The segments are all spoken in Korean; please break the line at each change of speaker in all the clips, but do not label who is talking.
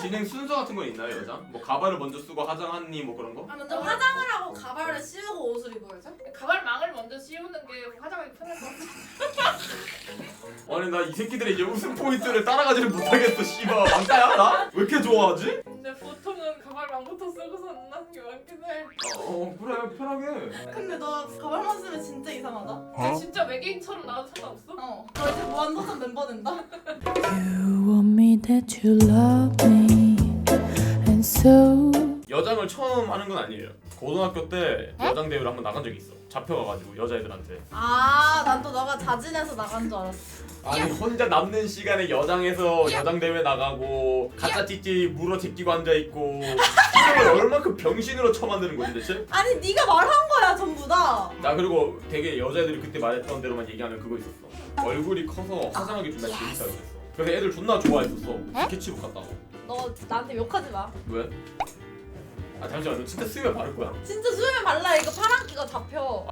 진행 순서 같은 건 있나요, 여자? 뭐 가발을 먼저 쓰고 화장하니 뭐 그런 거?
아 먼저 화장을 하고 가발을 씌우고 옷을 입어야죠?
가발망을 먼저 씌우는 게 화장하기 편할 것 같아.
아니 나 이 새끼들의 이제 웃음 포인트를 따라가지를 못하겠어. 씨발 왕따야 나? 왜 이렇게 좋아하지?
근데 보통은 가발망부터 쓰고서 만나는 게 많긴 해.
그래 편하게.
근데 너 가발만 쓰면 진짜 이상하다.
근데 진짜 외계인처럼 나와도 상관없어?
너 이제 무한도전 멤버 된다?
You want me that you love me, and so
여장을 처음 하는 건 아니에요. 고등학교 때 여장 대회를 한번 나간 적이 있어. 잡혀가가지고 여자애들한테.
난 또 너가 자진해서 나간 줄 알았어.
아니 혼자 남는 시간에 여장에서 여장 대회 나가고 가짜 찌찌 물어 제끼고 앉아 있고 이걸 얼마큼 병신으로 처만드는 거지 대체?
아니 네가 말한 거야 전부 다.
나 그리고 되게 여자애들이 그때 말했던 대로만 얘기하면 그거 있었어. 얼굴이 커서 화장하기 존나 재밌다 그랬어. 그래서 애들 존나 좋아했었어. 스케치북 같다고.
너 나한테 욕하지 마.
왜? 아 잠시만 너 진짜 수염에 바를 거야?
진짜 수염에 발라. 이거 파란기가 잡혀.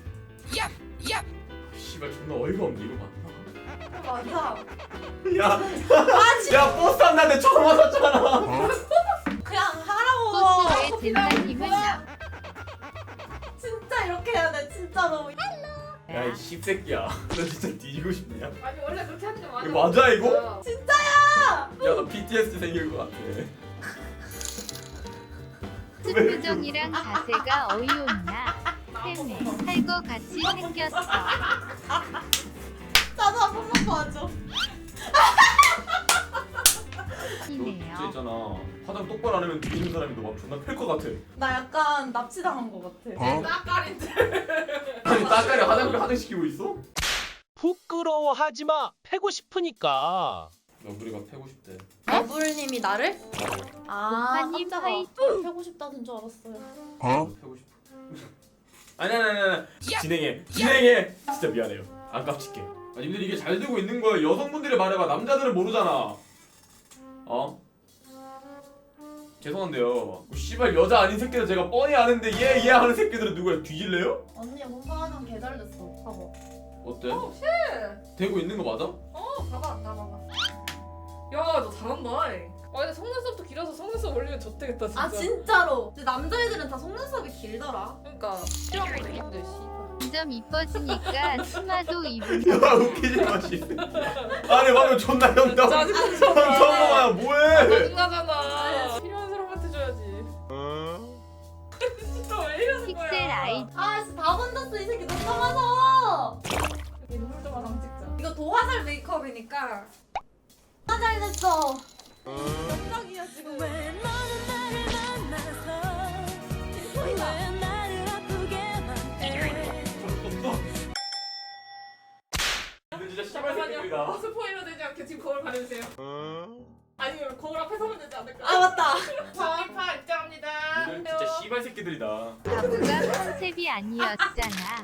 씨발 존나 어이가 없네 이거 봐.
맞아.
야 버스 안 나는데 처음 왔었잖아.
그냥 하라고.
코스의 젠장님은 나.
진짜 이렇게 해야 돼 진짜로.
야 이 씹새끼야. 너 진짜 뒤지고 싶냐?
아니 원래 그렇게 하는 게 맞아.
이거 맞아, 이거?
진짜야.
야 너 PTSD 생길 것 같아.
표정이랑 자세가 어이없나? 쌤에 살거 같이 생겼어.
나도 한 번만 봐줘.
너 진짜
이네요.
있잖아. 화장 똑바로 안 하면 뒤지는 사람이 너 막 존나 클 것 같아.
나 약간 납치당한 거 같아.
따까린데.
아니 따까리 화장시키고 있어?
부끄러워하지 마. 패고 싶으니까.
너 우리가 패고 싶대.
너블님이 나를?
공파님
깜짝아.
화이팅.
패고 싶다는 줄 알았어요.
너 패고 싶어. 아니. 진행해. 진짜 미안해요. 안 깝칠게. 아니 님들 이게 잘 되고 있는 거야. 여성분들이 말해봐. 남자들은 모르잖아. 죄송한데요. 뭐, 씨발 여자 아닌 새끼들 제가 뻔히 아는데 얘 하는 새끼들은 누구야? 뒤질래요?
언니 몸파하는 개잘 됐어. 봐봐.
어때?
쉣.
되고 있는 거 맞아?
봐봐 나 봐봐. 야 너 잘한다. 근데 속눈썹도 길어서 속눈썹 올리면 좋대겠다 진짜.
아 진짜로. 근데 남자애들은 다 속눈썹이 길더라.
그러니까 필요한 것도 있는데 씨발.
점점 이뻐지니까 치마도 입은.
야 웃기지 마 씨. 아니 방금 존나 형담.
짜증나.
정말 뭐해?
짜증나잖아. 필요한 사람한테 줘야지. 진짜 왜 이러는 거야?
픽셀 아이.
진짜 다 건졌어 이 새끼 너무 많아.
인물 좀 하나 찍자.
이거 도화살 메이크업이니까. 잘 됐어. 깜짝이야 지금. 왜 너는 나를 만나서 왜 나를 아프게만 해.
근데 진짜 씨발 새끼들이다.
잠깐만요. 스포일러 되지 않게 지금 거울 가려주세요. 아니면 거울 앞에 서면 되지 않을까?
아 맞다.
정의파 입장합니다.
이들 진짜 씨발 새끼들이다.
바보가 컨셉이 아니었잖아.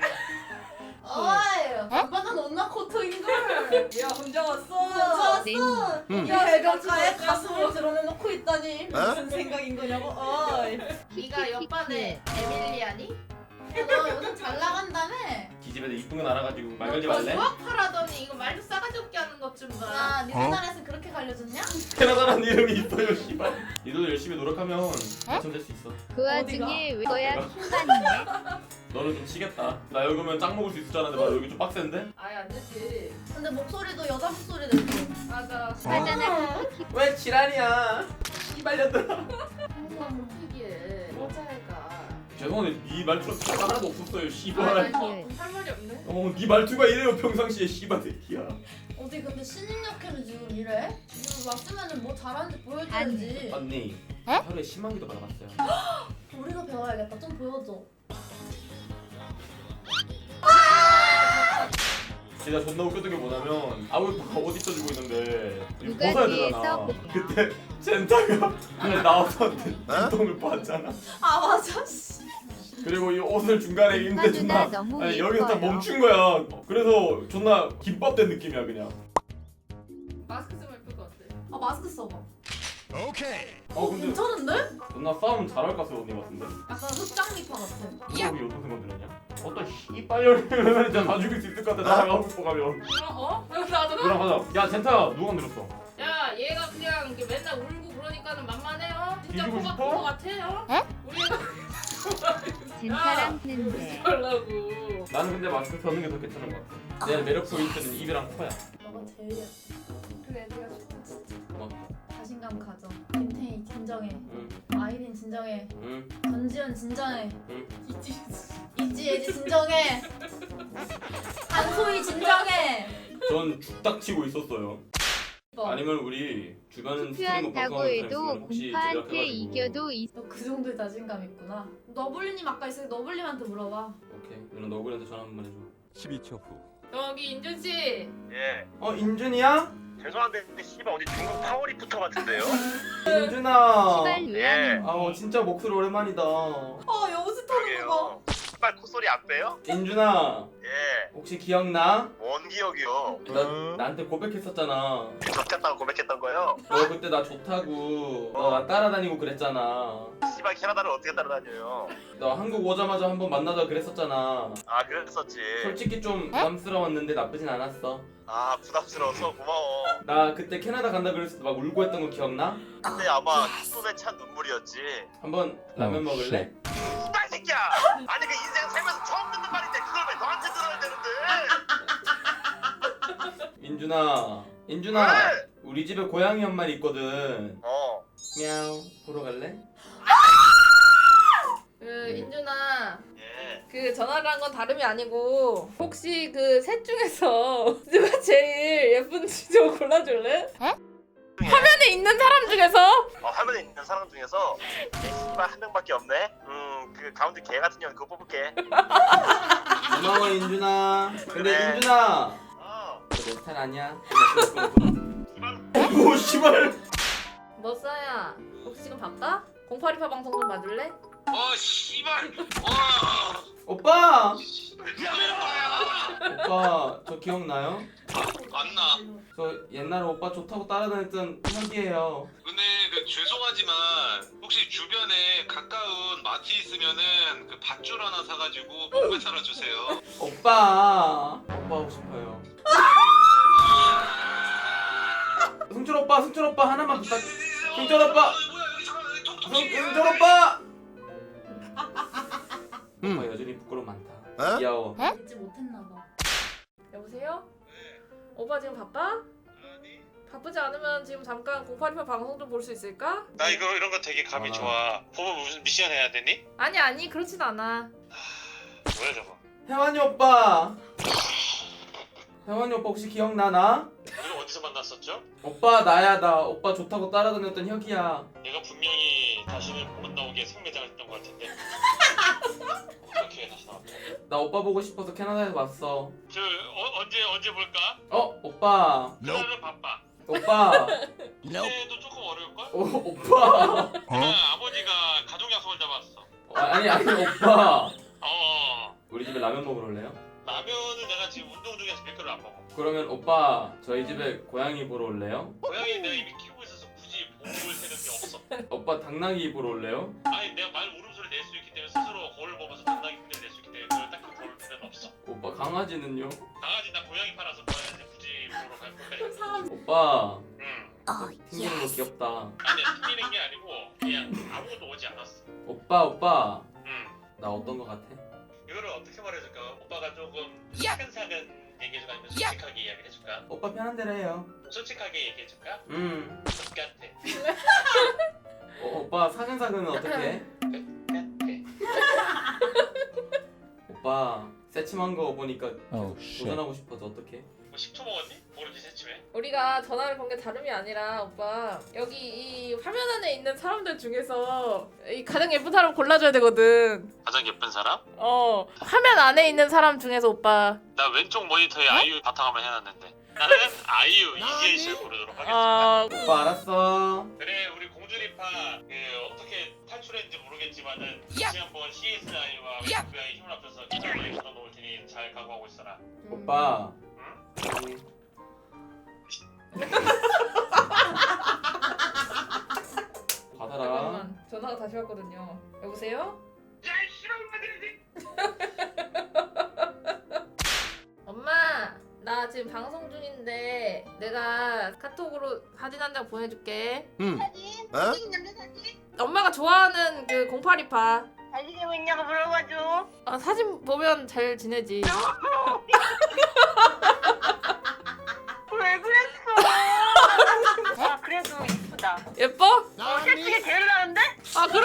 어이. 오빠는 온나 코트인걸.
야 혼자 왔어.
네.
좋았어. 야 해변가에 가슴을 드러내놓고 있다니 무슨 생각인 거냐고. 어이.
네가 옆반에 에밀리아니?
너 요즘 잘 나간다며?
기집애들 이쁜 건 알아가지고 말 걸지
너
말래?
유학파라더니 이거 말도 싸가지 없게 하는 것 좀 봐.
네 나라에서 그렇게 갈려줬냐?
캐나다라는 이름이 있어요 씨발. 니도 열심히 노력하면 당첨될 수 있어.
그 와중에 왜 거야 킹받네.
너는 좀 치겠다. 나 여기 오면 짱 먹을 수 있을 줄 알았는데 나 여기 좀 빡센데?
아예 안 되지.
근데 목소리도 여자 목소리 내고.
맞아.
하잖아.
왜 지랄이야? 씨발년들아.
항상 못하기에 여자애가.
죄송한데 네 말투가 진짜 하나도 없었어요
아,
씨발.
나 할 말이 없네.
네 말투가 이래요 평상시에 씨발 새끼야.
어디 근데 신입력회는 지금 이래? 지금 왔으면은 뭐 잘하는지 보여줘야지.
언니 하루에 10만 개도 받아봤어요.
우리가 배워야겠다. 좀 보여줘.
진짜 존나 웃겼던 게 뭐냐면 아우이빠가 옷 입혀주고 있는데 이거
누가
벗어야
뒤에서
되잖아.
보냐.
그때 젠타가 그냥 나와서 눈동을 봤잖아.
아 맞아. 씨.
그리고 이 옷을 중간에 입는데 존나
너무
아니, 여기서 딱
예뻐요.
멈춘 거야. 그래서 존나 김밥된 느낌이야 그냥.
마스크 쓰면 예쁠 것 같아.
아 마스크 써봐.
근데
괜찮은데?
존나 싸움 잘할까 서 언니 같은데.
약간 흑장미파 같아.
여기 어떤 생각 들었냐? 어떤 씨발년이면 진짜 다 죽일 수 있을 것 같아. 나랑 하고 싶어 가면.
어? 나도
그럼 가자. 야 젠타 누가 만들었어?
야, 얘 얘가 그냥 이렇게 맨날 울고 그러니까는 만만해요. 진짜
뒤지고
코가
싶어?
큰거 같아요. 우리 애가
젠타랑 는데
하려고.
나는 근데 마스크 펴는 게 더 괜찮은 것 같아. 내 매력 포인트는 입이랑 코야.
너가 제일 예뻐.
그래 네가 좋다 진짜.
뭐?
자신감 가져. 김태희 진정해.
응,
아이린 진정해.
응,
전지현 진정해.
응.
이지예지 진정해. 한소희 진정해.
전 죽닥치고 있었어요. 아니면 우리 주변 스트리머
투표한다고
방송하는 사람
해도
있으면 혹시
공파한테
연락해가지고.
이겨도
너 그 정도의 자신감 있구나. 너블리님 아까 있으니 너블님한테 물어봐.
오케이. 누나 너구리한테 전화 한 번 해줘.
12초 후.
여기 인준 씨.
예.
인준이야?
죄송한데 근데 씨발 어디 중국 파워리프터 같은데요?
인준아.
시발
예.
왜안
아 진짜 목소리 오랜만이다.
여보세 터는 거 봐.
씨발 콧소리 안 빼요?
인준아.
예.
혹시 기억나?
뭔 기억이요?
나한테 고백했었잖아.
졌겠다고 고백했던 거요?
너 그때 나 좋다고 너 나 따라다니고 그랬잖아.
씨발 캐나다를 어떻게 따라다녀요?
너 한국 오자마자 한번 만나자 그랬었잖아.
아 그랬었지.
솔직히 좀 부담스러웠는데 나쁘진 않았어.
아 부담스러워서 고마워.
나 그때 캐나다 간다 그랬을 때 막 울고 했던 거 기억나?
근데 아마 손에 찬 눈물이었지.
한번 라면 먹을래?
씨발 새끼야! 아니 그 인생 살면서 처음 듣는 말인데 그걸 왜 너한테 들어야 되는데?
인준아
왜?
우리 집에 고양이 한 마리 있거든.
어.
미야오 보러 갈래?
그 인준아.
예.
그 전화를 한 건 다름이 아니고 혹시 그 셋 중에서 누가 제일 예쁜지 좀 골라줄래? 화면에 있는 사람 중에서?
화면에 있는 사람 중에서 씨발 한 명밖에 없네. 그 가운데 개 같은 년 그거 뽑을게.
고마워 인준아. 근데
그래.
인준아
어.
너 내 스타일 아니야? 오 씨발.
머싸야 혹시 지금 바빠? 0828 방송 좀 봐줄래?
씨발.
오빠
미안해.
오빠 저 기억나요?
안 나.
저 옛날에 오빠 좋다고 따라다녔던 형이에요.
근데 그 죄송하지만 혹시 주변에 가까운 마트 있으면은 그 밧줄 하나 사가지고 몸에 살아주세요.
오빠 하고 싶어요. 승철 오빠 하나만 부탁. 승철 오빠.
뭐야 여기 잠깐 여기 통통
승철 오빠. 오빠 여전히 부끄러움 많다. 귀여워.
잊지 못했나 봐.
여보세요? 오빠 지금 바빠? 바쁘지 않으면 지금 잠깐 0828 방송 좀 볼 수 있을까?
나 이런 거 되게 감이
아.
좋아. 보면 무슨 미션 해야 되니?
아니 그렇진 않아.
뭐야 저거?
혜환이 오빠. 혜환이 오빠 혹시 기억나 나?
우리 어디서 만났었죠?
오빠 나야 나 오빠 좋다고 따라다녔던 혁이야.
내가 분명히 다시는 못 나오게 생매장했던 것 같은데. 어떻게 다시 나왔죠?
나 오빠 보고 싶어서 캐나다에서 왔어.
저 언제 볼까?
오빠.
그날은 바빠.
오빠.
이때도 조금 어려울걸?
오빠.
아버지가 가족 약속을 잡았어.
아니 오빠.
어.
우리 집에 라면 먹으러 올래요?
라면은 내가 지금 운동 중에서 밀가루 안 먹어.
그러면 오빠 저희 집에 고양이 보러 올래요?
고양이 내가 이미 키우고 있어서 굳이 보고 올 생각이 없어.
오빠 당나귀 보러 올래요?
아니 내가 말 울음소리 낼 수 있기 때문에 스스로 거울 보면서 당나귀 흉내를 낼 수 있기 때문에 그걸 딱히 볼 필요는 없어.
오빠 강아지는요?
강아지 나 고양이 팔아서 고양이한테 굳이 보러 갈 거야.
사람
오빠
응.
튕기는 거 귀엽다.
아니 튕기는 게 아니고 그냥 아무것도 오지 않았어.
오빠
응.
나 어떤 거 같아?
이거를 어떻게 말해줄까? 오빠가 조금 차근차근 얘기해줄까 아니면 솔직하게 이야기를 해줄까?
오빠 편한 대로 해요.
솔직하게 얘기해줄까?
같아.
똑같아.
오빠 사근사근은 어떻게 해?
똑같아.
오빠 새침한 거 보니까
Oh,
계속 도전하고 싶어서 어떻게?
뭐 10초 먹었니? 모르지 새침해.
우리가 전화를 건 게 다름이 아니라 오빠 여기 이 화면 안에 있는 사람들 중에서 이 가장 예쁜 사람 골라줘야 되거든.
가장 예쁜 사람?
화면 안에 있는 사람 중에서 오빠
나 왼쪽 모니터에 아이유 바탕화면 해놨는데 나는 아이유 이지혜 씨를 고르도록 하겠습니다.
오빠 알았어.
그래 우리 공주리파 그 어떻게 탈출했는지 모르겠지만은 다시 한번 CSI와 왼쪽의 힘을 합쳐서 기사를 걷어놓을 테니 잘 각오하고 있어라.
오빠.
응?
받아라.
잠깐만 전화가 다시 왔거든요. 여보세요?
야이 씨발
엄마 나 지금 방송 중인데 내가 카톡으로 사진 한 장 보내줄게.
사진 남자 사진?
엄마가 좋아하는 그 0828.
잘 지내고 있냐고 물어봐줘.
사진 보면 잘 지내지.
왜 그랬어? 아 그래도 이쁘다.
예뻐?
셋 중에 제일 나은데?
아 그래?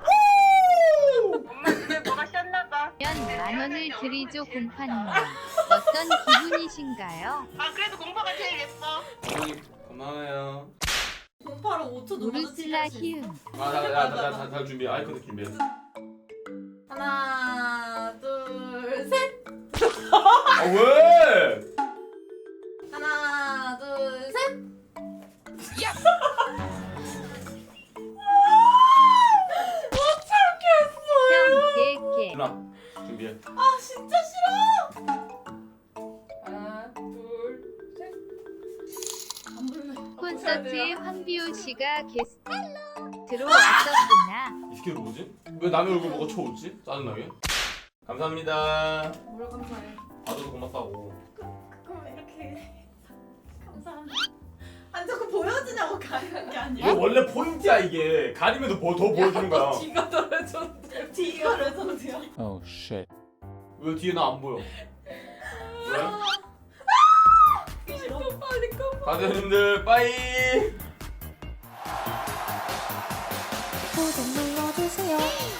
엄마 집에 뭐가 셨나봐.
만 원을 드리죠 공파님. 어떤 기분이신가요?
아 그래도 공파가 제일 예뻐.
어머니 고마워요.
공파로 5초 넘어서
우르슬라 히음.
다 준비해. 아이콘 준비해.
하나 둘 셋.
아 왜?
하나 둘 셋.
형 개개.
누나 준비해.
아 진짜 싫어.
하나 둘 셋.
안 볼래.
콘서트에 황비호 씨가 게스트로 왔었구나.
이 새끼 뭐지? 왜 남의 얼굴 보고 쳐웃지? 짜증나게. 감사합니다.
뭘 감사해.
봐줘서 고맙다고.
그럼 이렇게 감사합니다. 아니 자꾸 보여주냐고 가리는 게 아니야.
이게 원래 포인트야 이게. 가리면서 더 보여주는 거야.
뒤가 떨어졌는데.
뒤가 레전드야.
Oh shit.
왜 뒤에 나 안 보여? 왜?
싫어.
빨리 꺼.
가드님들 빠이.
구독 눌러주세요.